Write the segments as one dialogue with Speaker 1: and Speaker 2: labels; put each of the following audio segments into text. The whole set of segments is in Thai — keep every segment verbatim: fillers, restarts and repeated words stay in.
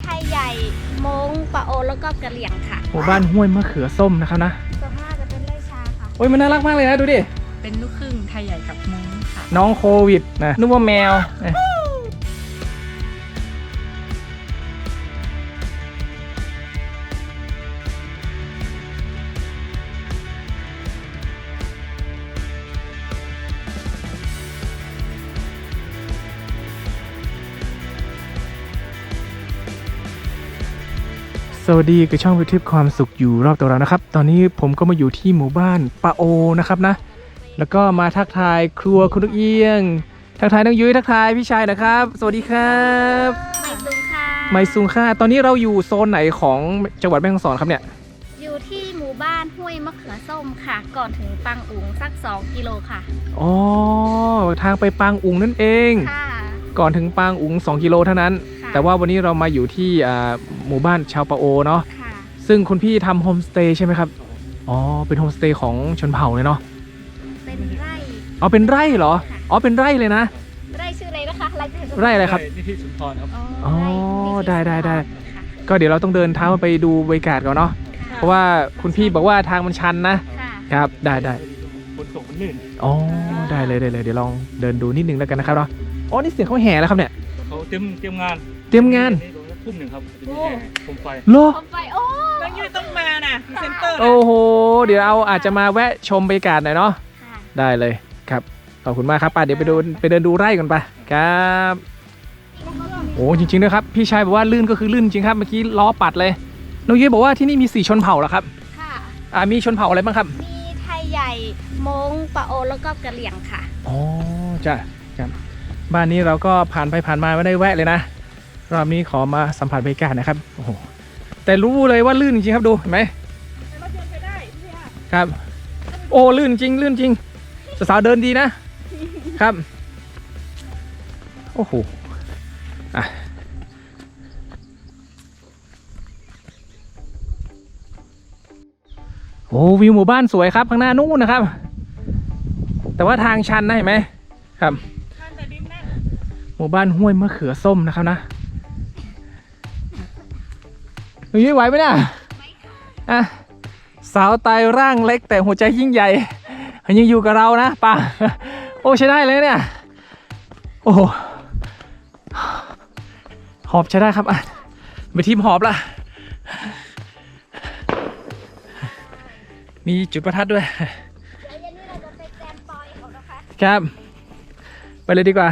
Speaker 1: ยใหญ่มงปะโอแล้วก็กะเหรี่ยงค่ะ
Speaker 2: หมู่บ้านห้วยมะเขือส้มนะครับนะ
Speaker 1: ส่วนมากจะเป็นไร่ชาค่ะ
Speaker 2: โอ้ยมันน่ารักมากเลยนะดูดิ
Speaker 3: เป็นลูกครึ่งไทยใหญ่กับมงค่ะ
Speaker 2: น้องโควิดนะนึกว่าแมวสวัสดีกับช่องวิวทิพย์ความสุขอยู่รอบตัวเรานะครับตอนนี้ผมก็มาอยู่ที่หมู่บ้านปะโอนะครับนะแล้วก็มาทักทายครัวคุณลูกเอียงทักทายน้องยุ้ยทักทายพี่ชายนะครับสวัสดีครับ
Speaker 1: ไมซุงค่ะ
Speaker 2: ไมซุงค่ะตอนนี้เราอยู่โซนไหนของจังหวัดแม่ฮ่องสอนครับเนี่ย
Speaker 1: อยู่ที่หมู่บ้านห้วยมะเขือส้มค่ะก่อนถึงปังอุ๋งสักสองกิโลค่ะ
Speaker 2: อ๋อทางไปปางอุ๋งนั่นเอง
Speaker 1: ค่ะ
Speaker 2: ก่อนถึงปางอุ๋งสองกิโลเท่านั้นแต่ว่าวันนี้เรามาอยู่ที่หมู่บ้านชาวปะโอเนาะซึ่งคุณพี่ทำโฮมสเตย์ใช่ไหมครับอ๋อเป็นโฮมสเตย์ของชนเผ่าเลยเนาะ
Speaker 1: เป็นไร่
Speaker 2: อ๋อเป็นไร่เหรออ๋อเป็นไร่เลยนะ
Speaker 1: ไร่ชื่ออะไรนะคะไร่
Speaker 2: ไร่อะไรครับ
Speaker 4: นิธิสุนทรครับ
Speaker 2: อ๋อได้ได้ได้ก็เดี๋ยวเราต้องเดินเท้าไปดูบรรยากาศก่อนเนาะเพราะว่าคุณพี่บอกว่าทางมันชันนะครับได้ได้
Speaker 4: ฝนตกมันลื่น
Speaker 2: อ๋อได้เลยได้เลยเดี๋ยวลองเดินดูนิดนึงแล้วกันนะครับเนาะอ๋อนี่เสียงเขาแห่แล้วครับเนี่ย
Speaker 4: เขาเตรียมเตรียมงาน
Speaker 2: เตรียมงาน
Speaker 4: ทุ่มหนึ่งครับจะมีแห่โคมไฟ
Speaker 2: โล
Speaker 1: โคมไฟโอ้
Speaker 3: น้องยุ้ยต้องมาน่ะเซ็นเตอร์
Speaker 2: โอ้โหเดี๋ยวเอาอาจจะมาแวะชมบรรยากาศหน่อยเนาะได้เลยครับขอบคุณมากครับป้าเดี๋ยวไปดูไปเดินดูไร่กันไปครับโอ้จริงๆนะครับพี่ชายบอกว่าลื่นก็คือลื่นจริงครับเมื่อกี้ล้อปัดเลยน้องยุ้ยบอกว่าที่นี่มีสี่ชนเผ่าเหรอครับ
Speaker 1: ค่ะ
Speaker 2: อ่ามีชนเผ่าอะไรบ้างครับ
Speaker 1: มีไทยใหญ่มงปะโอแล้วก็กะเหรี่ยงค่ะ
Speaker 2: อ๋อจ้ะครับบ้านนี้เราก็ผ่านไปผ่านมาไม่ได้แวะเลยนะรอบนี้ขอมาสัมผัสบรรยากาศนะครับโอ้โหแต่รู้เลยว่าลื่นจริงครับดูเห็นไหมครับโอ้ลื่นจริงลื่นจริงสาวๆเดินดีนะครับโอ้โหอ่ะโอ้วิวหมู่บ้านสวยครับข้างหน้านู้นนะครับแต่ว่าทางชันนะเห็นไหมครับหมู่บ้านห้วยมะเขือส้มนะครับนะหนูยิ้มไหวไหมเนี่ยอ่ะสาวไตร่างเล็กแต่หัวใจยิ่งใหญ่ยังอยู่กับเรานะป่ะโอ้ใช้ได้เลยเนี่ยโอ้โหหอบใช้ได้ครับอ่ะไปทีมหอบละมีจุดประทัดด้วยครับไปเลยดีกว่า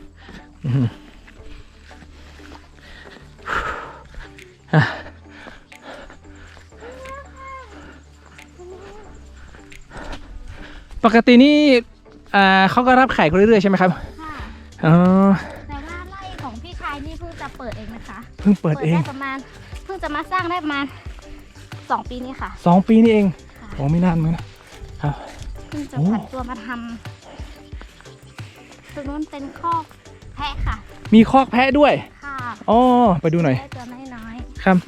Speaker 2: ปกตินี่เขาก็รับแขกเรื่อยๆใช่ไหมครับ
Speaker 1: ค่ะอ๋อแต่ว่าไร่ของพี่ชายนี่เพิ่งจะเปิดเองนะคะ
Speaker 2: เพิ่งเปิดเอง
Speaker 1: ประมาณเพิ่งจะมาสร้างได้ประมาณสองปีนี้ค่ะ
Speaker 2: สองปีนี่เองโอ้ไม่นานเหมือนนะครับ
Speaker 1: เพิ่งจะผันตัวมาทำตรงนู้นเป็นคอกแพะค่ะ
Speaker 2: มีคอกแพะด้วย
Speaker 1: ค่ะ
Speaker 2: อ๋อไปดูหน่อย
Speaker 1: ตัวน้อย
Speaker 2: ๆครับ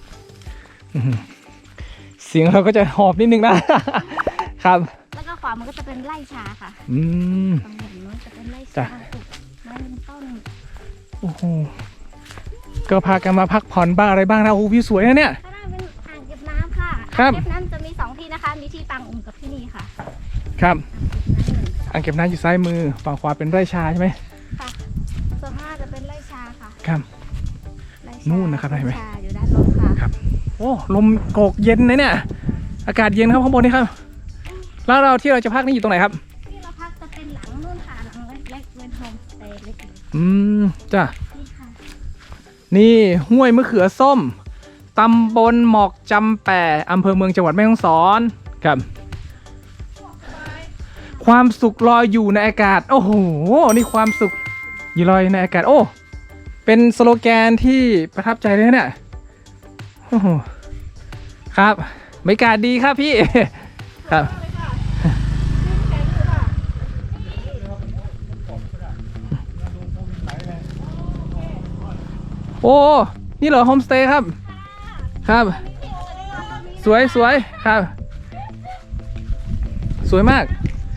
Speaker 2: เสียงเราก็จะหอบนิดนึงนะครับ
Speaker 1: แล้วก็ขวามันก็จะเป็นไร่ชาค่ะ
Speaker 2: อืม
Speaker 1: ตรงนู้นจะเป็นไร่ชาปลูกไม้ยืนต้น
Speaker 2: โอ้โหก็พากันมาพักผ่อนบ้างอะไรบ้างนะโอ้วิวสวยนะเนี่ย
Speaker 1: ข้างหน้าเป็นอ่างเก็บน้ำค่ะอ่างเก็บน้ำจะมีสองที่นะคะมีที่ปางอุ๋งกับที่นี่ค่ะ
Speaker 2: ครับอ่างเก็บน้ำอยู่ซ้ายมือฝั่งขวาเป็นไร่ชาใช่ไหม
Speaker 1: ค่ะส่วนมากจะเป็นไร่ชาค่ะ
Speaker 2: ครับนู่นนะครับเห็นไหม
Speaker 1: อยู่ด้านโน้นค่ะ
Speaker 2: ครับโอ้ลมโกกเย็นนะเนี่ยอากาศเย็นครับข้างบนนี่ครับแล้วเราที่เราจะพักนี่อยู่ตรงไหนครับ
Speaker 1: ที่เราพักจะเป็นหลังนู่นค่ะหลังเล็กๆเป็นโฮมสเตย์เล็กๆ
Speaker 2: อืมจ้ะนี่ห้วยมะเขือส้มตำบลหมอกจำแปอำเภอเมืองจังหวัดแม่ฮ่องสอนครับความสุขลอยอยู่ในอากาศโอ้โหนี่ความสุขอยู่ลอยในอากาศโอ้เป็นสโลแกนที่ประทับใจเลยเนี่ยโอ้โหครับบรรยากาศดีครับพี่ครับโอ้นี่เหรอโฮมสเตย์ครับครับสวยสวยครับสวยมาก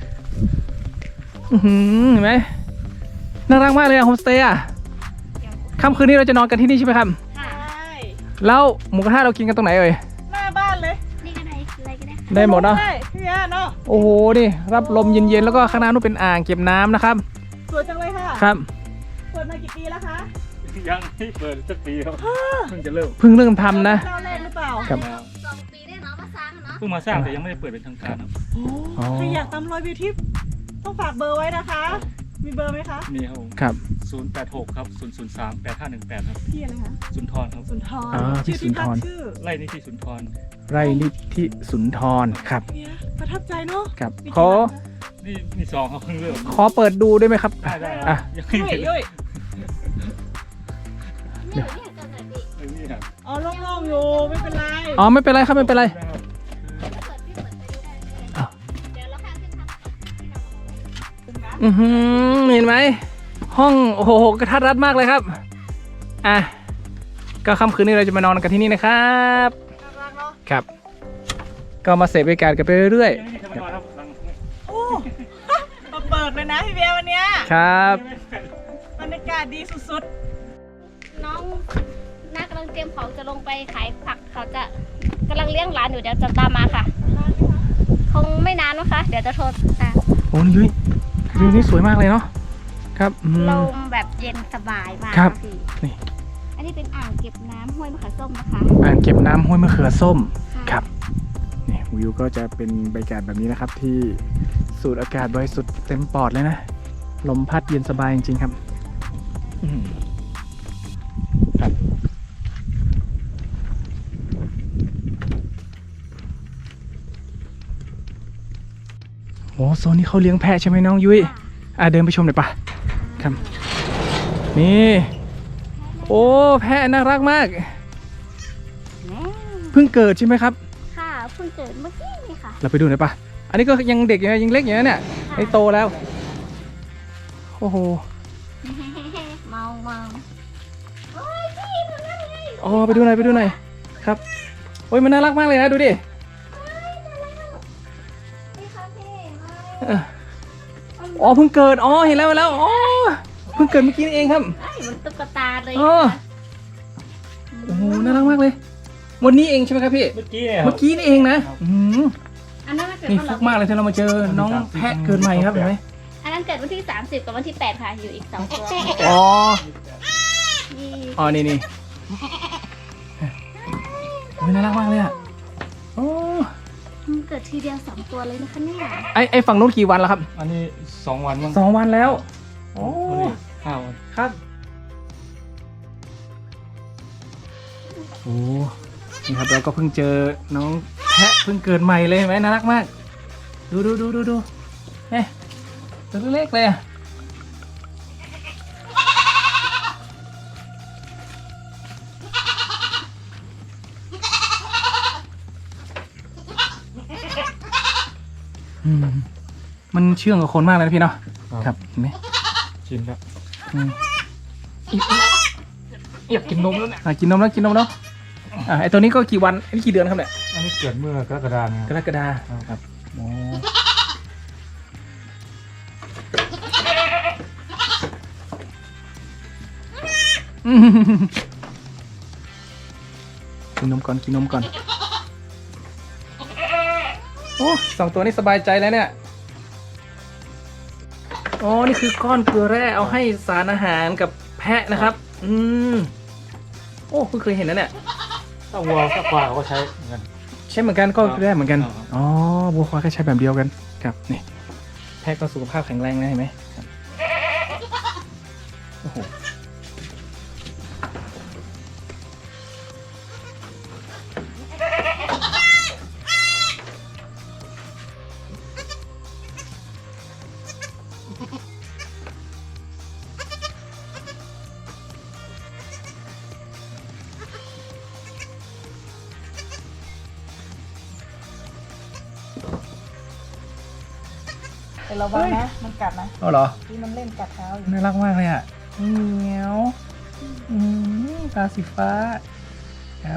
Speaker 2: เห็นไหมน่ารักมากเลยอะโฮมสเตย์อะค่ำคืนนี้เราจะนอนกันที่นี่ใช่ไหมครับแล้วหมูกระทะเรากินกันตรงไหนเอ่ย
Speaker 3: หน้าบ้านเลย
Speaker 1: นี่ก็ได้อะไรก็ได้ค่ะ
Speaker 2: ได้หมดเนาะ
Speaker 3: ได้พี่ยาเนาะ
Speaker 2: โอ้โหนี่รับลมเย็นๆแล้วก็ข้างหน้านู้นเป็นอ่างเก็บน้ำนะครับ
Speaker 3: สวยจังเลยค่ะ
Speaker 2: ครับ
Speaker 3: เปิดมากี่ปีแล้วคะ
Speaker 4: ยังไม่เปิดสักปีครับเพิ่งจะเริ่ม
Speaker 2: เพิ่งเริ่มทำนะ
Speaker 3: เจ้าแรกหรือเปล่า
Speaker 2: ครับ
Speaker 1: สองปีได้เนาะมาสร้างอะเนาะ
Speaker 4: เพิ่งมาสร้างแต่ยังไม่ได้เปิดเป็นทางการครับ
Speaker 3: โอ้
Speaker 2: อ๋อ
Speaker 3: ใครอยากตามรอยบิวทิปต้องฝากเบอร์ไว้นะคะ มีเบอร์ไหมคะ
Speaker 4: มีครับผม
Speaker 2: ครับ
Speaker 4: ศูนย์แปดหกครับศูนย์ศูนย์สามแปดห้าหนึ่งแปดครับ
Speaker 3: พี่อะไรคะ
Speaker 4: สุนทรครับ
Speaker 3: สุนทร
Speaker 2: อ่าพี่
Speaker 3: ชื่อที่พัก
Speaker 2: สุนทร
Speaker 3: ชื่อ
Speaker 4: ไล่นี่ที่สุนทร
Speaker 2: ไร่นิธิสุนทรครับ
Speaker 3: เนี่ยประทับใจเนาะ
Speaker 2: ครับ
Speaker 3: มี
Speaker 2: ขอ
Speaker 3: กี่หลังคะ
Speaker 4: นี่มีสองครับเพิ่งเริ่ม
Speaker 2: ขอเปิดดูได้ไหมครับ
Speaker 4: ได้ได้
Speaker 2: อ่ะ
Speaker 4: ยังไม่
Speaker 3: ยุ้ย
Speaker 4: เห็น
Speaker 3: ยุ้ย
Speaker 1: นี่นี่เกิดอะไรพี่
Speaker 4: เออนี่ครับ
Speaker 3: อ๋อโล่งๆอยู่ไม่เป็นไร
Speaker 2: อ๋อไม่เป็นไรครับไม่เป็นไร
Speaker 1: เปิดพี่เปิดไปดูได้เลย
Speaker 2: อ้าว
Speaker 1: เดี๋ยวเราข้ามขึ้นทางที่เราเอาไว้
Speaker 2: อือหือเห็นไหมห้องโอ้โหกระทัดรัดมากเลยครับอ่ะก็ค่ำคืนนี้เราจะมานอนกันที่นี่นะครับ
Speaker 3: น่ารักเนาะ
Speaker 2: ครับ ก็มาเสพบรรยากาศกันไปเรื่อย
Speaker 4: ยังไม่มีใครมานอนครับหลัง
Speaker 3: โอ้มาเปิดเลยนะพี่เบียร์วันเนี้ย
Speaker 2: ๆครับ
Speaker 3: บรรยากาศดีสุด
Speaker 1: น้องน้ากำลังเตรียมของจะลงไปขายผักเขาจะกำลังเลี้ยงหลานอยู่เดี๋ยวจะตามมาค่ะ คงไม่นานนะคะ เดี๋ยวจะโทรตาม
Speaker 2: โอ้นี่ยุ้ยวิวนี้สวยมากเลยเนาะครับอืม
Speaker 1: ลมแบบเย็นสบายมาก
Speaker 2: ครับ
Speaker 1: พี่
Speaker 2: นี่
Speaker 1: อันนี้เป็นอ่างเก็บน้ำห้วยมะขามส้มนะคะ
Speaker 2: อ่างเก็บน้ำห้วยมะเขือส้ม
Speaker 1: ะ
Speaker 2: ครับนี่วิวก็จะเป็นบรรยากาศแบบนี้นะครับ ที่สูดอากาศบริสุทธิ์เต็มปอดเลยนะลมพัดเย็นสบายจริงๆครับอืมครับโอ้โซนนี้เขาเลี้ยงแพะใช่ไหมน้องยุ้ยอ่ะเดินไปชมหน่อยปะครับ นี่ โอ้แพะน่ารักมาก
Speaker 1: แม่
Speaker 2: เพิ่งเกิดใช่ไหมครับ
Speaker 1: ค่ะเพิ่งเกิดเมื่อกี้นี่ค่ะ
Speaker 2: เราไปดูหน่อยปะอันนี้ก็ยังเด็กอยู่นะยังเล็กอยู่นะเนี่ยไอ้โตแล้ว โอ้โห
Speaker 1: เมาเมาโอ้ยพี่ดูนั่นไง
Speaker 2: อ๋อไปดูหน่อยไปดูหน่อยครับโอ้ยมันน่ารักมากเลยนะดูดิ
Speaker 1: พี่คะพี่
Speaker 2: เอออ๋อเพิ่งเกิดอ๋อเห็นแล้วเห็นแล้วอ๋อเพิ่งเกิดเมื่อกี้นี่เองครับ
Speaker 1: ไอ้มันตุ๊กตาเลย
Speaker 2: อ๋อ โอ้โหน่ารักมากเลย วันนี้เองใช่ไหมครับพี่
Speaker 4: เมื่อกี้เนี่ยครั
Speaker 2: เมื่
Speaker 4: บ
Speaker 2: อกี้นี่เองนะอืม
Speaker 1: อันนั้นมันเกิด
Speaker 2: นี่
Speaker 1: วัน
Speaker 2: ฟุกมากเลยที่เรามาเจอน้องแพะเกิดใหม่ครับเห็นไหม
Speaker 1: อันนั้นเกิดวันที่ สามสิบ กับวันที่ แปด ค่ะ อยู่อีกสองตัว
Speaker 2: อ๋อ
Speaker 1: นี่
Speaker 2: อ๋อนี่นี่โอ้ยน่ารักมากเลยอ่ะโอ้
Speaker 1: มันเกิดทีเดียวสองตัวเลยนะคะเนี่ย
Speaker 2: ไอไอฝั่งนู้นกี่วันแล้วครับ
Speaker 4: อันนี้สองวันมั้ง
Speaker 2: สองวันแล้วโอ้
Speaker 4: วันนี้ห้าวัน
Speaker 2: ครับโอ้นี่ครับเราก็เพิ่งเจอน้องแพะเพิ่งเกิดใหม่เลยเห็นไหมน่ารักมาก ดูดูดูดูดูเฮ้ยตัวเล็กเลยอะอืมมันเชื่องกับคนมากเลยนะพี่เนาะครับเห็นไหม
Speaker 4: ชินครับ
Speaker 2: อืมอยากกินนมแล้วเนี่ยอ่ะกินนมแล้วกินนมแล้วอ่ะไอตัวนี้ก็กี่วันอันนี้กี่เดือนครับเนี่ย
Speaker 4: อันนี้เกิดเมื่อกรกฎาคม
Speaker 2: กรกฎาครับโอ้อืมกินนมก่อนกินนมก่อนโอ้สองตัวนี้สบายใจแล้วเนี่ยอ๋อนี่คือก้อนเกลือแร่เอาให้สารอาหารกับแพะนะครับอืมโอ้เพิ่งเคยเห็นนะเนี่ย
Speaker 4: ถ้าวัวถ้าควายเขาก็ใช้เหมือนกัน
Speaker 2: ใช่เหมือนกันก็ได้เหมือนกัน
Speaker 4: อ๋อ
Speaker 2: อ๋อวัวควายก็ใช้แบบเดียวกันครับนี่แพะก็สุขภาพแข็งแรงนะเห็นไหมครับโอ้โห
Speaker 3: ๆแต่ระวังนะ มันกัดนะ
Speaker 2: อ๋อเหรอ
Speaker 3: ที่มันเล่นกัดเท้าอยู่
Speaker 2: น่ารักมากเลยอ่ะเหมียวอืมตาสีฟ้าครับ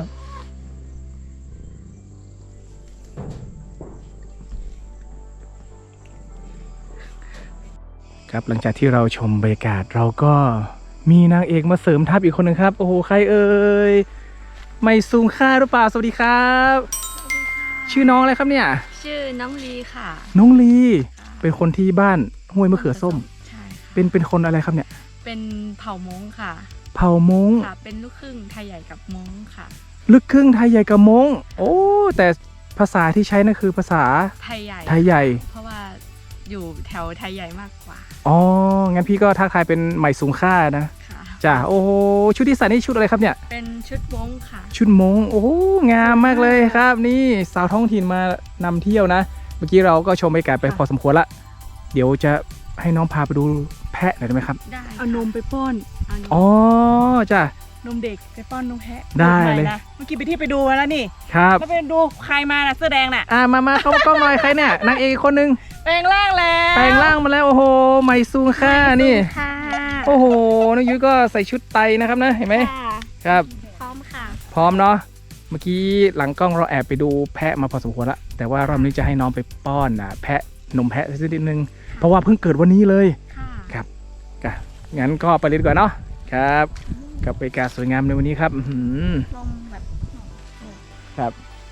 Speaker 2: ครับหลังจากที่เราชมบรรยากาศเราก็มีนางเอกมาเสริมทัพอีกคนหนึ่งครับโอ้โหใครเอ่ยไม่ซูงค่าหรือเปล่าสวัสดีครับ ชื่อน้องอะไรครับเนี่ย
Speaker 5: ชื่อน้องลีค่ะ
Speaker 2: น้องลีเป็นคนที่บ้านห้วยมะเขือส้ม
Speaker 5: ใช่ค่ะ
Speaker 2: เป็นเป็นคนอะไรครับเนี่ย
Speaker 5: เป็นเผ่ามงค่ะ
Speaker 2: เผ่ามง
Speaker 5: ค่ะ เป็นลูกครึ่งไทยใหญ่กับมงค่ะ
Speaker 2: ลึกครึ่งไทยใหญ่กับมงโอ้แต่ภาษาที่ใช้นั่นคือภาษา
Speaker 5: ไทยใหญ่
Speaker 2: ไทยใหญ่
Speaker 5: เพราะว่าอยู่แถวไทยใหญ่มากกว่า
Speaker 2: อ๋องั้นพี่ก็ทักทายเป็นใหม่สูงค่านะ
Speaker 5: ค่ะ
Speaker 2: จ้ะโอ้โหชุดที่ใส่นี่ชุดอะไรครับเนี่ย
Speaker 5: เป็นชุดมงค่ะ
Speaker 2: ชุดมงโอ้โหงามมากเลยครับ นี่สาวท้องถิ่นมานำเที่ยวนะ เมื่อกี้เราก็ชมบรรยากาศไปพอสมควรละ เดี๋ยวจะให้น้องพาไปดูแพะหน่อยได้ไหมครับ
Speaker 5: ได้
Speaker 3: เอานมไปป้อน
Speaker 5: เอานม
Speaker 2: อ๋อจ้ะ
Speaker 3: นมเด็กไปป้อนนมแพะ
Speaker 2: ได้
Speaker 3: ใหม่
Speaker 2: เลย
Speaker 3: นะเมื่อกี้ไปที่ไปดูมาแล้วนี่
Speaker 2: ครับ
Speaker 3: แล้วไปดูใครมาน่ะเสื้อแดงน่ะ
Speaker 2: อ่ามามาเข้ากล้องหน่อยใครเนี่ยนางเอกคนหนึง
Speaker 3: แปลงร่างแล้ว
Speaker 2: แปลงร่างมาแล้วโอ้โหใหม่ซูงค่านี่
Speaker 1: ค่ะ
Speaker 2: โอ้โหน้องยุ้ยก็ใส่ชุดไตนะครับนะเห็นไหม
Speaker 1: ค่ะ
Speaker 2: ครับ
Speaker 1: พร้อมค่ะ
Speaker 2: พร้อมเนาะเมื่อกี้หลังกล้องเราแอบไปดูแพะมาพอสมควรละแต่ว่ารอบนี้จะให้น้องไปป้อนนะแพะนมแพะสักนิดนึงเพราะว่าเพิ่งเกิดวันนี้เลย
Speaker 1: ค่ะ
Speaker 2: ครับก็งั้นก็ไปเลยดีกว่าเนาะครับกับบรรยากาศสวยงามในวันนี้ครับอื้อหือ
Speaker 1: ลมแบบ
Speaker 2: ครับ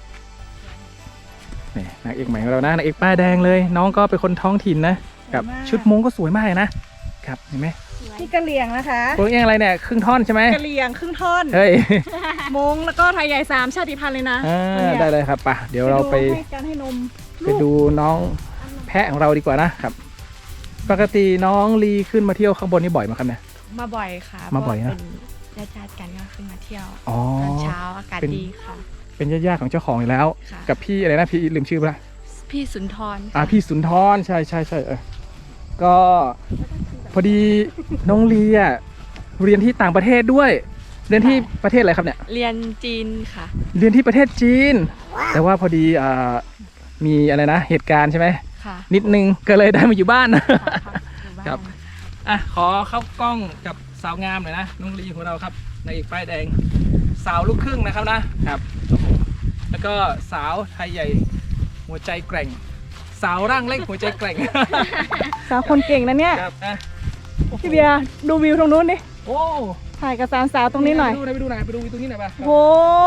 Speaker 2: นี่นางเอกใหม่ของเรานะนางเอกป้ายแดงเลย น้องก็เป็นคนท้องถิ่นนะกับชุดมงก็สวยมากเลยนะครับเห็นไหม
Speaker 3: ที่กะเหรี่ยงนะคะ
Speaker 2: ตัวเองอะไรเนี่ยครึ่งท่อนใช่ไหม
Speaker 3: กะเหรี่ยงครึ่งท่อน
Speaker 2: เฮ้ย
Speaker 3: มงแล้วก็ไทยใหญ่สามชาติพันธุ์เลยนะ
Speaker 2: อ่าได้เลยครับไป่ะเดี๋ยวเราไป
Speaker 3: ให้การให้นม
Speaker 2: ไปดูน้องแพะของเราดีกว่านะครับ ปกติน้องลีขึ้นมาเที่ยวข้างบนนี่บ่อยไหมครับเนี่ย
Speaker 5: มาบ่อยค่ะ
Speaker 2: มาบ่อยนะ
Speaker 5: เพราเป็นญาติๆกันก็ขึ้นมาเที่ยว
Speaker 2: อ๋อ
Speaker 5: ตอนเช้าอากาศ
Speaker 2: เป็น
Speaker 5: ดีค่ะ
Speaker 2: เป็นญาติๆของเจ้าของอยู่แล้ว
Speaker 5: ค่ะ
Speaker 2: กับพี่อะไรนะพี่ลืมชื่อไปละ
Speaker 5: พี่สุนทร
Speaker 2: อ่า
Speaker 5: ค่ะ
Speaker 2: พี่สุนทรใช่ใช่ใช่เออก็พอดีน้องลีอ่ะเรียนที่ต่างประเทศด้วย เรียนที่ประเทศอะไรครับเนี่ย
Speaker 5: เรียนจีนค่ะ
Speaker 2: เรียนที่ประเทศจีน แต่ว่าพอดีอ่ามีอะไรนะเหตุการณ์ใช่ไหม
Speaker 5: ค่ะ
Speaker 2: นิดนึงก็เลยได้มาอยู่บ้าน
Speaker 5: ค่ะอยู่าน
Speaker 2: ครับ อ่ะขอเข้ากล้องกับสาวงามหน่อยนะน้องลีของเราครับนางเอกป้ายแดงสาวลูกครึ่งนะครับนะครับโอ้โหแล้วก็สาวไทยใหญ่หัวใจแกร่ง สาวร่างเล็กหัวใจแกร่ง
Speaker 3: สาวคนเก่งนะเนี่ย
Speaker 2: ครับอ่ะ
Speaker 3: พี่เบียร์ดูวิวตรงนู้นดิ
Speaker 2: โอ้
Speaker 3: ถ่ายกับสาวสาวตรงนี้หน่อย
Speaker 2: ไปดูหน่อยไปดูหน่อยไปดูตรงนี้หน่อยป่ะ
Speaker 3: โห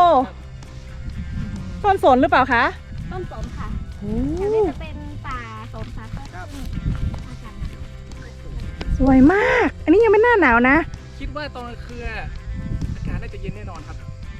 Speaker 3: ต้นสนหรือเปล่าคะ
Speaker 1: ต้นสนค่ะ
Speaker 3: โอ้
Speaker 1: แถวนี้จะเป็นป่าสนค่ะก็ซึ่งอากาศหนาว
Speaker 3: สวยมาก อันนี้ยังไม่หน้าหนาวนะ
Speaker 2: คิดว่าตอนกลางคืนอากาศน่าจะเย็นแน่นอนครับ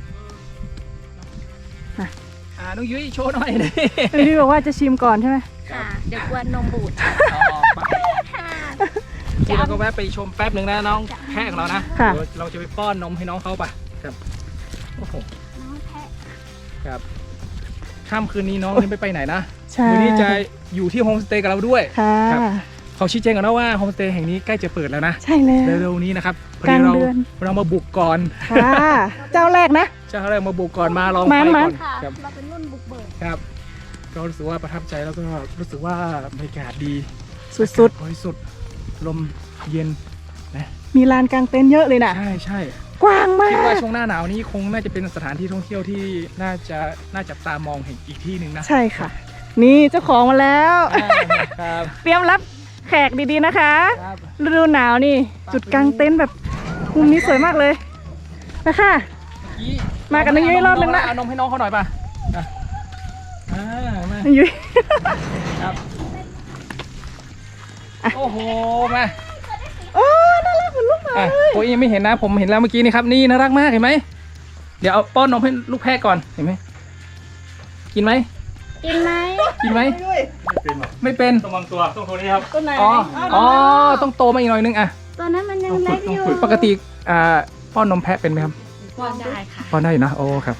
Speaker 3: อ่ะ
Speaker 2: อ่าน้องยุ้ยโชว์หน่อย นี่
Speaker 3: พี่บอกว่าจะชิมก่อนใช่ไหม
Speaker 1: ค่ะ เดี๋ยวกวนนมบูด
Speaker 2: อ๋อไป
Speaker 1: ค่ะ
Speaker 2: เดี๋ยวเราก็แวะไปชมแป๊บหนึ่งนะน้องแพะของเรานะ
Speaker 3: ค่ะ
Speaker 2: เดี๋ยวเราจะไปป้อนนมให้น้องเขาป่ะครับโอ้โห
Speaker 1: น้องแพะ
Speaker 2: ครับค่ำคืนนี้น้องนี่ไม่ไปไหนนะ
Speaker 3: ใช่
Speaker 2: คืนนี้จะอยู่ที่โฮมสเตย์กับเราด้วย
Speaker 3: ค่ะ
Speaker 2: ครับ เขาชี้แจงกันนะว่าโฮมสเตย์แห่งนี้ใกล้จะเปิดแล้วนะ
Speaker 3: ใช่แล้ว
Speaker 2: เร็วๆนี้นะครับพอก
Speaker 3: ลา
Speaker 2: ดี
Speaker 3: ง
Speaker 2: เรา
Speaker 3: เดือน
Speaker 2: เรามาบุกก่อน
Speaker 3: ค่ะ เจ้าแรกนะ
Speaker 2: เจ้าอะไรมาบุกก่อนมาลอง
Speaker 3: มั
Speaker 2: ไป
Speaker 3: น
Speaker 2: ก่
Speaker 3: มั
Speaker 2: อน น
Speaker 1: ค่ะ
Speaker 2: ครับ
Speaker 1: เราเป็นรุ่นบุกเบิก
Speaker 2: ครับก็รู้สึกว่าประทับใจแล้วก็รู้สึกว่าบรรยากาศดี
Speaker 3: สุด
Speaker 2: บริสุทธิ์ลมเย็น
Speaker 3: ๆ มีลานกลางเต็นท์เยอะเลยนะ
Speaker 2: ใช่ใช่
Speaker 3: กว้างมา
Speaker 2: คิดว่าก ช่วงหน้าหนาวนี้คงน่าจะเป็นสถานที่ท่องเที่ยวที่น่าจะน่าจับตามองเห็นอีกที่หนึ่งนะ
Speaker 3: ใช่ค่ะ นี่เจ้าของมาแล้ว
Speaker 2: อ่าครับ
Speaker 3: เตรียมรับแขกดีๆนะคะ
Speaker 2: ครับ
Speaker 3: ฤดูหนาวนี่ จุดกลางเต็นท์แบบมุมนี้สวยมากเลยนะคะ
Speaker 2: กี้
Speaker 3: มากับน้องยุ้ยรอบนึงละ
Speaker 2: เอานมให้น้องเขาหน่อยป่ะอ่ะอ่ามา
Speaker 3: ยุ้ย
Speaker 2: ครับโอ้โหมา
Speaker 3: โอ้น่ารักเหมือนลูกหมา
Speaker 2: อ่ะ
Speaker 3: เลย
Speaker 2: โอ้ยยังไม่เห็นนะผมเห็นแล้วเมื่อกี้นี่ครับนี่น่ารักมากเห็นไหมเดี๋ยวเอาป้อนนมให้ลูกแพะก่อนเห็นไหมกินไหม
Speaker 1: กินไหม
Speaker 2: กินไหม
Speaker 3: ยุ้ย
Speaker 4: ไม่เป็นหรอก
Speaker 2: ไม่เป็น
Speaker 4: ต้องวางตัวต้องตัวนี้ครับ
Speaker 3: ต้นไหน
Speaker 2: อ๋อ
Speaker 3: อ๋
Speaker 2: อ๋
Speaker 3: อ
Speaker 2: อต้องโตมาอีกหน่อยนึงอ่ะ
Speaker 1: ตัวนั้นมันยังเล็กอยู่
Speaker 2: ปกติอ่าป้อนนมแพะเป็นไหมครับ
Speaker 5: ป้อนได้ค่ะ
Speaker 2: ป้อนได้อยู่นะโอ้ครับ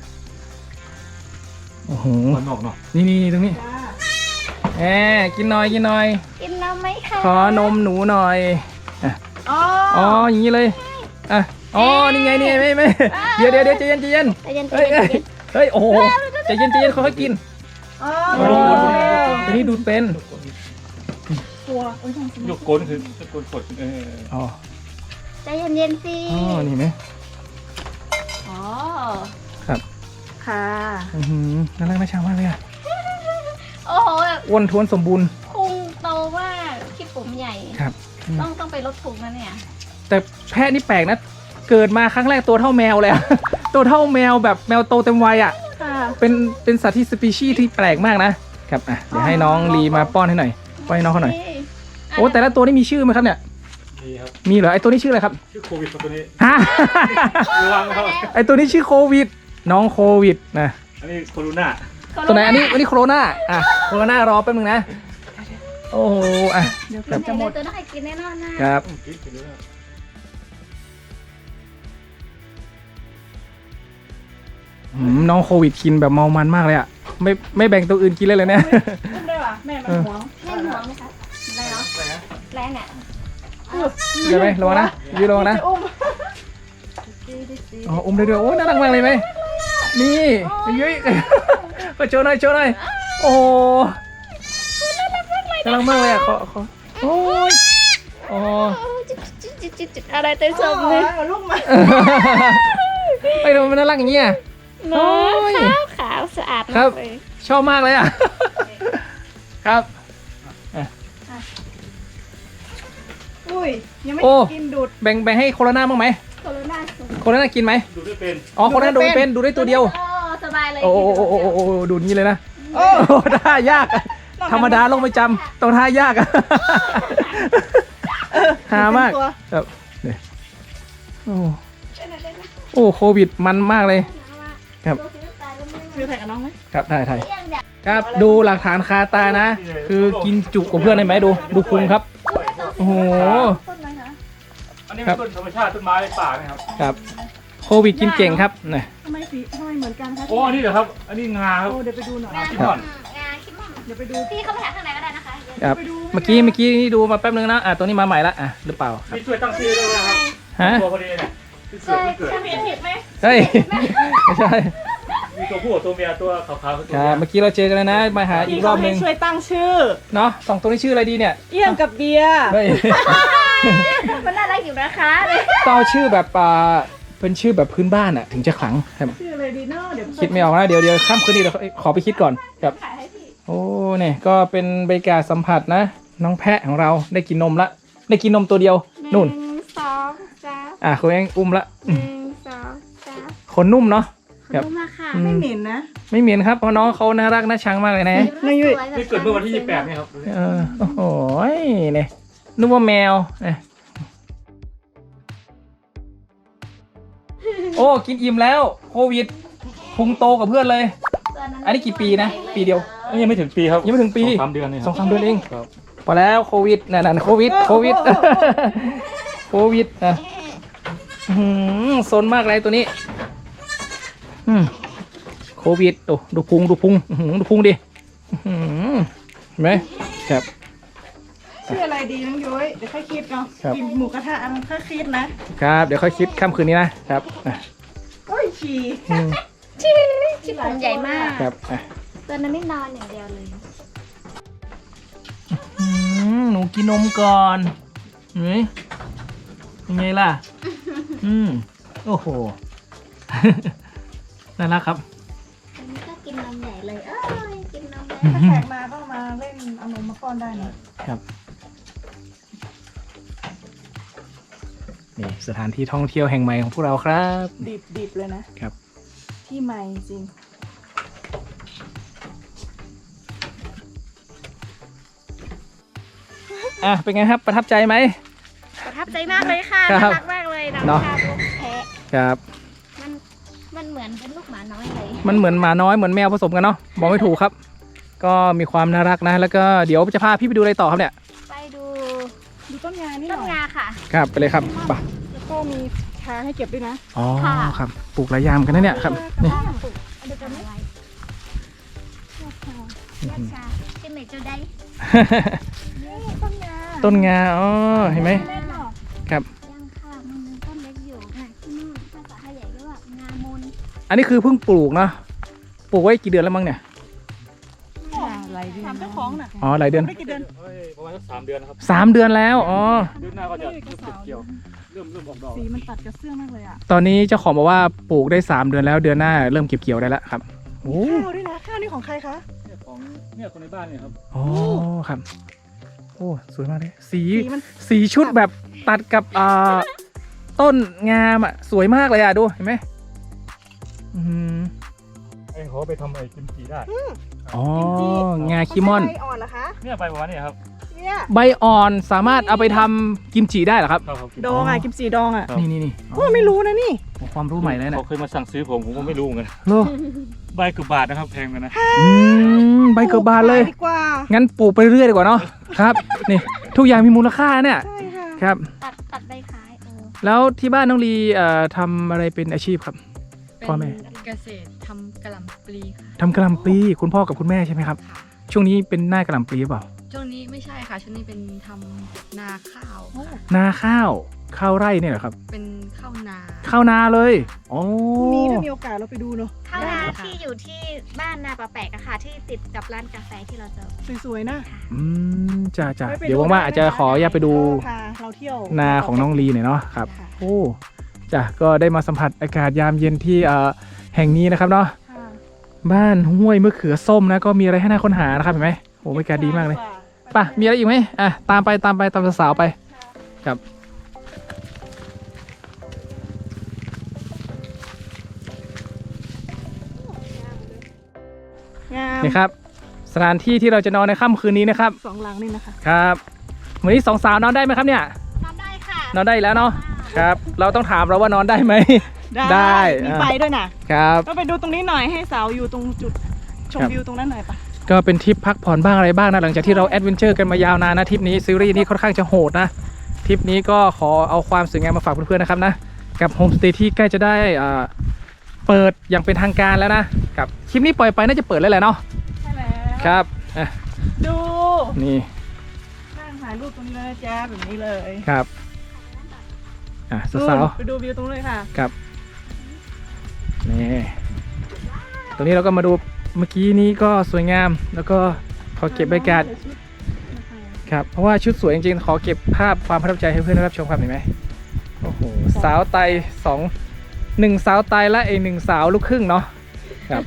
Speaker 2: โอ้โห
Speaker 4: มันออกเนาะ
Speaker 2: นี่นี่ตรงนี้แหมกินหน่อยกินหน่อย
Speaker 1: กินน้ำไหมคะ
Speaker 2: ขอนมหนูหน่อย
Speaker 3: อ๋อ
Speaker 2: อ๋ออย่างนี้เลยอ่ะอ๋อนี่ไงนี่ไงไม่ไม่เดี๋ยวเดี๋ยวเดี๋ยวใจเย็นใจเย็น
Speaker 1: ใจเย็นใจ
Speaker 2: เฮ้ย
Speaker 1: เย็
Speaker 2: เฮ้
Speaker 1: น
Speaker 2: ยเฮ้ยโอ้โหใจเย็นใจเย็นค่อยๆกิน
Speaker 3: อ๋อ
Speaker 2: โอ้โหทีนี้ดูเป็น
Speaker 3: ตัวโอ้ย
Speaker 4: ยกก้นคือจะก้นกดเออ
Speaker 2: อ๋อ
Speaker 1: ใจเย็นเย็นๆสิ
Speaker 2: อ๋อนี่ไหม
Speaker 1: อ๋อ
Speaker 2: ครับ
Speaker 3: ค่ะ
Speaker 2: อือหือน่ารักน่าชังมากเลยอ่ะ
Speaker 1: โอ้โหแบบ
Speaker 2: อ้วนท้วนสมบูรณ์
Speaker 1: พุงโตมากขี้ปุ๋มใหญ่
Speaker 2: ครับ
Speaker 1: ต้องต้องไปลดพุงนะเนี่ย
Speaker 2: แต่แพะนี่แปลกนะเกิดมาครั้งแรกตัวเท่าแมวเลยอะ ตัวเท่าแมวแบบแมวโตเต็มวัยอ่ะ
Speaker 3: ค่ะ
Speaker 2: เป็นเป็นสัตว์ที่สปีชีส์ที่แปลกมากนะครับอ่ะเดี๋ยวให้น้องลีมาป้อนให้หน่อยป้อนให้น้องเขาหน่อยโอ้แต่ละตัวนี่มีชื่อไหมครับเนี่ย
Speaker 4: ดีครับ
Speaker 2: มีเหรอไอตัวนี้ชื่ออะไรครับ
Speaker 4: ชื่อโควิดครับตัวนี้
Speaker 2: ฮะ
Speaker 4: ระวังครับ
Speaker 2: ไอตัวนี้ชื่อโควิดน้องโควิดนะ
Speaker 4: อันนี้โคโรนา
Speaker 2: ตัวไหนอันนี้อันนี้โคโรนาอ่ะโคโรนารอแป๊บนึงนะโอ้โหอ่ะ
Speaker 3: เดี๋ยวเกือบจะหมด
Speaker 1: ตัวน่ากินแน่นอนนะครับ
Speaker 4: คิดไปเลย
Speaker 2: อืมน้องโควิดกินแบบเมามันมากเลยอ่ะไม่ไม่แบ่งตัวอื่นกินเลยเลยเนี่ย
Speaker 3: อุ้มได้ป่ะแม่มันหวง
Speaker 1: แม่หัวไหมคะแรงเนาะแรงอ่ะ
Speaker 2: เดี๋ยวไหมระวังนะยืนระวังนะ
Speaker 3: จะอุ้ม
Speaker 2: อ๋ออุ้มได้ด้วยโอ้น่ารักมากเลยไหมนี่ยุ้ยก็โชว์หน่อยโชว์หน่อยโอ้โหน่ารักมากเลยอ่ะขอขอโอ้ยอ๋อ
Speaker 1: จิตจิตจิตจิตอะไรเต้นสม
Speaker 3: อ๋
Speaker 1: เลย
Speaker 3: อลูกมา
Speaker 2: ไอ้ทำไมมันน่ารักอย่างเงี้ย
Speaker 1: เนาะ
Speaker 2: โอ้ย
Speaker 1: ขาวขาวสะอาด
Speaker 2: ครั
Speaker 1: มา
Speaker 2: บ
Speaker 1: กเลย
Speaker 2: ชอบมากเลยอ่ะ ครับ
Speaker 3: อุ้ยยังไม่
Speaker 2: โอ้
Speaker 3: กินดูด
Speaker 2: แบ่งแบ่งให้โคโรนาบ้างไหม
Speaker 1: โคโรนาสูง
Speaker 2: โคโรนากินไหม
Speaker 4: ดูได้เป็น
Speaker 2: อ๋อโคโรนาดูเป็นดูได้ตัวเดียว
Speaker 1: โอ้สบายเลย
Speaker 2: โอ้โอ้โอ้โอ้โอ้โอ้ดูนี้เลยนะ
Speaker 3: โอ้
Speaker 2: โอ้ท่ายากอะธรรมดาลงไม่จำต้องท่ายากอะหามาก
Speaker 3: ตัว
Speaker 2: ครับเนี่ยโอ้โอ้โควิดมันมากเลย ครับ
Speaker 3: ซื้อแท็กกับน้องไหม
Speaker 2: ครับถ่ายถ่ายครับดูหลักฐานคาตานะ คือกินจุกับเพื่อนได้ไหมดูดูพุงครับ โอ้โห
Speaker 3: ต้นไหนคะ
Speaker 4: อันนี้เป็นต้นธรรมชาติต้นไม้ป่านะครับ
Speaker 2: ครับโควิดกินเก่งครับเนี่ย
Speaker 3: ทำไมสีทำไมเหมือนกันคะ
Speaker 4: โอ้อันนี้เหรอครับ อันนี้งาครับ
Speaker 3: โอ้เดี๋ยวไปดูหน่อย
Speaker 4: งาขี้ม่อน
Speaker 1: งานคิดว่า
Speaker 3: เดี๋ยวไปดู
Speaker 1: พี่เข้าไปหาข้างในก็ได้นะคะ
Speaker 2: ครับเมื่อกี้เมื่อกี้นี่ดูมาแป๊บนึงนะอ่ะตัวนี้มาใหม่ละอ่ะหรือเปล่าครับ
Speaker 4: นี่ช่วยตั้งชื่อด้วยนะครับ
Speaker 2: ฮะ
Speaker 4: ตัวพอดีเนี่ยที่เกิดที่เกิด
Speaker 3: เห็นผิดไหม
Speaker 2: เฮ้ยไม่ใช่
Speaker 4: มีตัวผู้กับตัวเมียตัวขาวๆคือตัว
Speaker 2: ค
Speaker 4: เมี
Speaker 2: รับ
Speaker 4: ย
Speaker 2: เมื่อกี้เราเจอกันแล้วนะมาหาอีกรอบนึง
Speaker 3: ช่วยตั้งชื่อ
Speaker 2: เนาะสองตัวนี้ชื่ออะไรดีเนี่ย
Speaker 3: เอี่ยงกับเบียร์
Speaker 2: เฮ้ย
Speaker 1: มันน่ารักอยู่นะคะเลย
Speaker 2: ต้องเอาชื่อแบบอ่าเป็นชื่อแบบพื้นบ้านอ่ะถึงจะขลังครับ
Speaker 3: ชื่ออะไรดีเนาะเดี๋ยว
Speaker 2: คิดไม่ออกนะเดี๋ยวเดี๋ยวข้ามคืนนี้เดี๋ยวขอไปคิดก่อนครับโอ้เนี่ยก็เป็นบรรยากาศสัมผัสนะ น้องแพะของเราได้กินนมละได้กินนมตัวเดียวนู่น
Speaker 1: หนึ่งสองสาม
Speaker 2: อ่ะคุณเองอุ้มละ
Speaker 1: หนึ่งสองสาม
Speaker 2: ขนนุ่มเนาะ
Speaker 1: ขอบคุณมากค่ะ
Speaker 2: อื
Speaker 3: ไม่เหม็นนะ
Speaker 2: ไม่เหม็นครับเพราะน้องเขาน่ารักน่าชังมากเลยนะ
Speaker 3: ไม่ยุ่ย
Speaker 4: นี่เกิดเมื่อวันที่ยี่สิบแปดนี่ครับ
Speaker 2: เออโอ้โหเนี่ยนึกว่าแมวเนี่ยโอ้กินอิ่มแล้วโควิดพุงโตกับเพื่อนเลย อันนี้กี่ปีนะ ปีเดียว
Speaker 4: อันนี้ยังไม่ถึงปีครับ
Speaker 2: ยังไม่ถึงปี
Speaker 4: สองสามเดือนนี่ค
Speaker 2: ส
Speaker 4: รั
Speaker 2: อบ งสามเดือนเอง
Speaker 4: ครับ
Speaker 2: พอแล้วโควิดนั่นๆโควิดโควิดโควิดนะอื้อหือซนมากเลยตัวนี้อืมโควิดโอ้ดูพุงดูพุงอื้อหือดูพุงดิอื้อหือเห็นไหมครับ
Speaker 3: ชื่ออะไรดีน้องยุ้ยเดี๋ยวค่อยคิดเนาะ
Speaker 2: ครับ
Speaker 3: กินหมูกระทะอันค่อยคิดนะครับ
Speaker 2: เดี๋ยวค่อยคิดค่ำคืนนี้นะครับอ่ะ
Speaker 3: โอ้ยฉี่
Speaker 2: อืม
Speaker 1: ชื่อชื่อผมใหญ่มาก
Speaker 2: ครับอ่ะ
Speaker 1: ตัวนั้นไม่นอนอย่างเดียวเลย
Speaker 2: อืมหนูกินนมก่อนเฮ้ยยังไงล่ะ อืมโอ้โห น่ารักครับ
Speaker 1: อันนี้ก็กินนมใหญ่เลยเอ้ยกินนมใหญ่
Speaker 3: ถ้าแขกมาก็มาเล่นเอานมมาป้อนได้นะครับ
Speaker 2: นี่สถานที่ท่องเที่ยวแห่งใหม่ของพวกเราครับ
Speaker 3: ดิบดิบเลยนะครับ ที่ใหม่จริง
Speaker 2: อ่ะเป็นไงครับประทับใจไหม
Speaker 1: ประทับใจมากเลยค่ะ
Speaker 2: ครั
Speaker 1: น่า
Speaker 2: บ
Speaker 1: รักมากเลยน้อง
Speaker 2: เนอะ
Speaker 1: ชาลูกแพะ
Speaker 2: ครับ
Speaker 1: มันมันเหมือนเป็นลูกหมาน้อยเลย
Speaker 2: มันเหมือนหมาน้อยเหมือนแมวผสมกันเนาะบอกไม่ถูกครับ ก็มีความน่ารักนะ แล้วก็เดี๋ยวจะพาพี่ไปดูอะไรต่อครับเนี่ย
Speaker 1: ไปดู
Speaker 3: ดูต้นงานี่ห
Speaker 1: ต้
Speaker 3: น่
Speaker 1: น
Speaker 3: อย
Speaker 1: งาค่ะ
Speaker 2: ครับไปเลยครับไป
Speaker 3: แล้วก็มีชาให้เก็บด้วยนะ
Speaker 2: อ๋อ
Speaker 1: ค่ะ
Speaker 2: ครับปลูกหลายอยางกันนะเนี่ยครับนี่
Speaker 1: ปลูกเดี๋ยวจะไม่ไรยอดชาที่เมจูได้
Speaker 3: นี่ต้นงา
Speaker 2: ต้นงาอ๋อเห็นไหม
Speaker 3: เล่นหรอ
Speaker 2: ครับ
Speaker 1: ยังค่ะมันเป็นต้นเล็กอยู่นะที่นู่นภาษาไทยใหญ่ก็ว่างามน
Speaker 2: อันนี้คือเพิ่งปลูกเนาะปลูกไว้กี่เดือนแล้วมั้งเนี่ย
Speaker 3: อะไรดีถามเจ้าของน่ะ
Speaker 2: อ๋อหลายเดือน
Speaker 3: ไม่กี่เดือน
Speaker 4: เอ้ยประมาณสักสามเดือนนะครับ
Speaker 2: สามเดือนแล้วอ๋อ
Speaker 4: เดือนหน้าก็จะเริ่มเก็บเกี่ยวเริ่มเริ่มออกดอก
Speaker 3: สีมันตัดกับเสื้อมากเลยอ่ะ
Speaker 2: ตอนนี้เจ้าของบอกว่าปลูกได้สามเดือนแล้วเดือนหน้าเริ่มเก็บเกี่ยวได้แล้วครับโอ้
Speaker 3: ข้าวด้วยนะข้าวนี่ของใครคะ
Speaker 4: เนี่ยของเนี่ยคนในบ้านเนี่ยครับ
Speaker 2: อ๋อครับโอ้สวยมากเลยสี
Speaker 3: สีมัน
Speaker 2: สีชุดแบบตัดกับอ่าต้นงามอ่ะสวยมากเลยอ่ะดูเห็นไหมอืม
Speaker 4: ไอ้เขาไปทำไอ้กิมจิได้
Speaker 2: อ๋อ งาคิมอน
Speaker 3: ใบอ่อนเหรอคะ
Speaker 4: เนี่ยไปประมาณนี้ครับ
Speaker 3: เนี่ย
Speaker 2: ใบอ่อนสามารถเอาไปทำกิมจิได้เหรอครับ
Speaker 4: ครับครับ
Speaker 3: ดองอ่ะกิมจีดองอ่ะ
Speaker 4: ครับ
Speaker 2: นี่นี่นี่
Speaker 3: โอ้ไม่รู้นะนี่
Speaker 2: โอ้ความรู้ใหม่เลยนะ
Speaker 4: เขาเคยมาสั่งซื้อผมผมก็ไม่รู้เหมือนกัน
Speaker 2: โล
Speaker 4: ใบเกือบบาทนะครับแพงกันนะ
Speaker 2: อืมใบเกิดบานเลย
Speaker 3: ดีกว่า
Speaker 2: งั้นปลูกไปเรื่อยดีกว่าเนาะครับ นี่ทุกอย่างมีมูลค่าเนี่ย
Speaker 3: ใช่ค่ะ
Speaker 2: ครับ
Speaker 1: ตัดตัดใบขายเออ
Speaker 2: แล้วที่บ้านน้องลีเอ่อทำอะไรเป็นอาชีพครับ
Speaker 5: เป็น
Speaker 2: พ่อแม่
Speaker 5: เกษตรทำกะหล่ำปลีค่ะ
Speaker 2: ทำกะหล่ำปลีคุณพ่อกับคุณแม่ใช่ไหมครับ
Speaker 5: ค่ะ
Speaker 2: ช่วงนี้เป็นหน้ากะหล่ำปลีหรือเปล่า
Speaker 5: ช่วงนี้ไม่ใช่ค่ะ ช่วงนี้เป็นทำนาข้าวค่ะ
Speaker 2: นาข้าวข้าวไร่เนี่ยเหรอครับ
Speaker 5: เป็นข้าวนา
Speaker 2: ข้าวนาเลยโอ้
Speaker 3: พรุ่งนี้ถ้ามีโอกาสเราไปดูเนาะ
Speaker 1: ข้าวนาที่อยู่ที่บ้านนาปะแปกอะค่ะที่ติดกับร้านกาแฟที่เราเจอ
Speaker 3: สวยๆนะ
Speaker 2: อืมจ้าจ้า
Speaker 3: ไไป
Speaker 2: เดี๋ยวว่างๆอาจจะขออยากไปดู
Speaker 3: พาเราเที่ยว
Speaker 2: นาของน้องลีหน่อยเนาะครับ
Speaker 3: ค่ะ
Speaker 2: โอ้จ้ะก็ได้มาสัมผัสอากาศยามเย็นที่เอ่อแห่งนี้นะครับเนาะ
Speaker 3: ค่ะ
Speaker 2: บ้านห้วยมะเขือส้มนะก็มีอะไรให้น่าค้นหานะครับเห็นไหมโอ้บรรยากาศดีมากเลยไป่ะมีอะไรอีกไหมอ่ะตามไปตามไปตามสาวๆไปครับ
Speaker 3: งาม
Speaker 2: นี่ครับสถานที่ที่เราจะนอนในค่ำคืนนี้นะครับ
Speaker 3: สองหลังนี่นะคะ
Speaker 2: ครับวันนี้สองสาวนอนได้ไหมครับเนี่ย
Speaker 1: ทำได้ค่ะ
Speaker 2: นอนได้อีกแล้วเนาะครับ เราต้องถามเราว่านอนได้ไหม ได้
Speaker 3: มี
Speaker 2: อ่า
Speaker 3: ไฟด้วยนะครับ ก็ไปดูตรงนี้หน่อยให้สาวอยู่ตรงจุดชม
Speaker 2: ครับ
Speaker 3: วิวตรงนั้นหน่อยปะ
Speaker 2: ก็เป็นทริปพักผ่อนบ้างอะไรบ้างนะหลังจากที่เราแอดเวนเจอร์กันมายาวนานนะทริปนี้ซีรีส์นี้ค่อนข้างจะโหดนะทริปนี้ก็ขอเอาความสวยงามมาฝากเพื่อนๆนะครับนะกับโฮมสเตย์ที่ใกล้จะได้อ่าเปิดอย่างเป็นทางการแล้วนะกับคลิปนี้ปล่อยไปน่าจะเปิดแล้วแหละเนาะ
Speaker 3: ใช่แล้ว
Speaker 2: ครับอ่ะ
Speaker 3: ดู
Speaker 2: นี่
Speaker 3: นั่งถ่ายรูปตรงนี้เลยนะจ๊ะแบบนี้เลย
Speaker 2: ครับอ่ะสาว
Speaker 3: ไปดูวิวตรงนู้นเลยค่ะ
Speaker 2: ๆครับนี่ตรงนี้เราก็มาดูเมื่อกี้นี้ก็สวยงามแล้วก็ขอเก็บบรรยากาศ ครับเพราะว่าชุดสวยจริงๆ ขอเก็บภาพความประทับใจให้เพื่อนได้รับชมครับเห็นไหมโอ้โหสาวไตสองหนึ่งสาวไตและอีกหนึ่งสาวลูกครึ่งเนาะครับ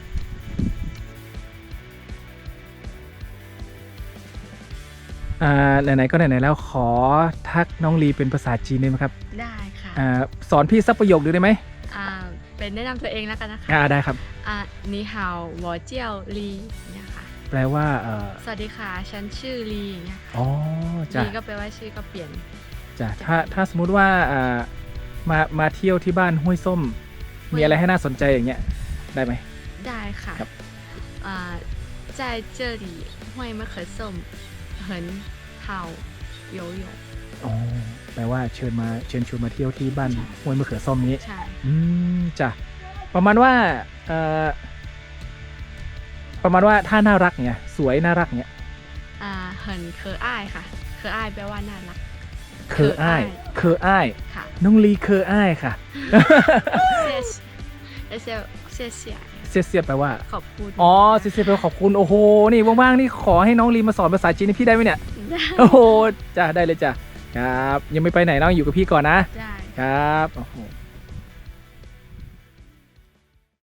Speaker 2: อ่าไหนๆก็ไหนๆแล้วขอทักน้องลีเป็นภาษาจีนได้ไหมครับ
Speaker 5: ได้ค่ะ
Speaker 2: อ่าสอนพี่สักประโยคดูได้ไหม
Speaker 5: อ่าเป็นแนะนำตัวเองแล้วกันนะคะ
Speaker 2: อ่าได้ครับ
Speaker 5: อ่านีฮาววอเจียวลีเนี่ยค่ะ
Speaker 2: แปลว่าเออ
Speaker 5: สวัสดีค่ะ ฉันชื่อลีเนี่ย
Speaker 2: อ๋อจ้ะ
Speaker 5: ลีก็แปลว่าชื่อก็เปลี่ยน
Speaker 2: จ้ะถ้าถ้าสมมุติว่าอ่ามามาเที่ยวที่บ้านห้วยส้ม มีอะไรให้น่าสนใจอย่างเงี้ยได้ไหม
Speaker 5: ได้ค่ะ
Speaker 2: ครับ
Speaker 5: อ่า在这里ห้วยมะเขือส้ม很好游泳
Speaker 2: อ๋อแปลว่าเชิญมาเชิญชวนมาเที่ยวที่บ้านห้วยมะเขือส้มนี้
Speaker 5: ใช่
Speaker 2: อืมจ้ะประมาณว่าเอ่อประมาณว่าถ้าน่ารักเนี่ยสวยน่ารักเนี่ย
Speaker 5: อ่า很可爱ค่ะ可爱แปลว่าน่ารัก
Speaker 2: เคออ้ายเคออ้าย
Speaker 5: ค่ะ
Speaker 2: น้องลีเคออ้ายค่ะ
Speaker 5: 谢谢谢谢
Speaker 2: เสียเสียแปลว่า
Speaker 5: ขอบคุณ
Speaker 2: อ๋อเสียเสียแปลว่าขอบคุณโอ้โหนี่ว่างๆนี่ขอให้น้องลีมาสอนภาษาจีนให้พี่ได้ไหมเนี่ยโอ้โหจ้ะได้เลยจ้ะครับยังไม่ไปไหนน้องอยู่กับพี่ก่อนนะ
Speaker 5: ได้
Speaker 2: ครับโอ้โห